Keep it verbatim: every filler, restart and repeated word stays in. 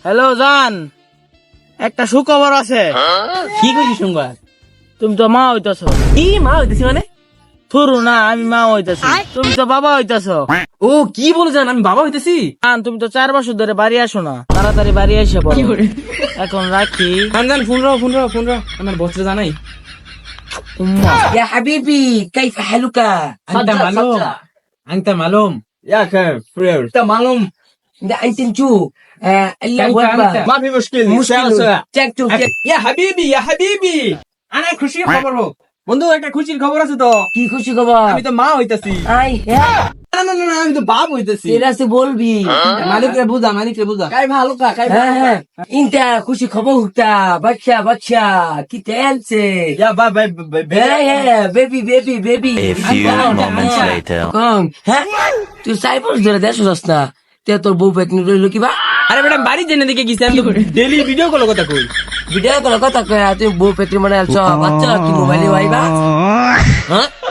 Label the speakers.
Speaker 1: Hello জান, একটা সুখবর আছে।
Speaker 2: কি কইছিস সংবাদ?
Speaker 1: তুমি তো মা হইতাছো।
Speaker 2: কি মা হইতেছি মানে?
Speaker 1: থুরু না, আমি মা হইতাছি, তুমি তো বাবা হইতাছো।
Speaker 2: ও কি বলে জান, আমি বাবা হইতেছি?
Speaker 1: জান, তুমি তো চার বছর ধরে বাড়ি আসো না, তাড়াতাড়ি বাড়ি এসে পড়ো। এখন রাখি।
Speaker 2: জান জান ফোন রাও ফোন রাও ফোন রাও আমার বসরে জানাই।
Speaker 1: উম্মা।
Speaker 3: يا حبيبي كيف حالك؟
Speaker 2: انت معلوم انت معلوم يا كيف فرير
Speaker 3: انت معلوم ده انت نشو آه الا
Speaker 2: كيف
Speaker 3: وجبه
Speaker 2: انت ما في مشكله
Speaker 3: مشكلة চেক টু চেক
Speaker 2: يا حبيبي يا حبيبي انا খুশি খবর হোক বন্ধু, একটা খুশির খবর আছে তো।
Speaker 3: কি খুশি খবর?
Speaker 2: আমি তো মা হইতাছি।
Speaker 3: আই হ্যাঁ
Speaker 2: না না না না, আমি তো বাপ হইতাছি।
Speaker 3: তেরা সে বলবি
Speaker 2: মালিকরে বুঝা মালিকরে বুঝা কাই ভালো কা কাই
Speaker 3: হ্যাঁ হ্যাঁ ইনটা খুশি খবর হুকতা বাচ্চা বাচ্চা কি তেলছে
Speaker 2: ইয়া বা বাই
Speaker 3: হ্যাঁ হ্যাঁ baby baby baby
Speaker 4: A few moments later.
Speaker 3: কম হ্যাঁ তুই সাইবর ধরে দেশ যাস না তে তোর বউ পেটনি রইল কি বা
Speaker 2: আরে বেটা বাড়ি জেনে দিকে গেছি, আমি ডেইলি ভিডিও কল কথা কই।
Speaker 3: ভিডিও কল কথা কয় তুই বউ পেটনি মানে আলছ বাচ্চা কি মোবাইলে ভাইবা হ্যাঁ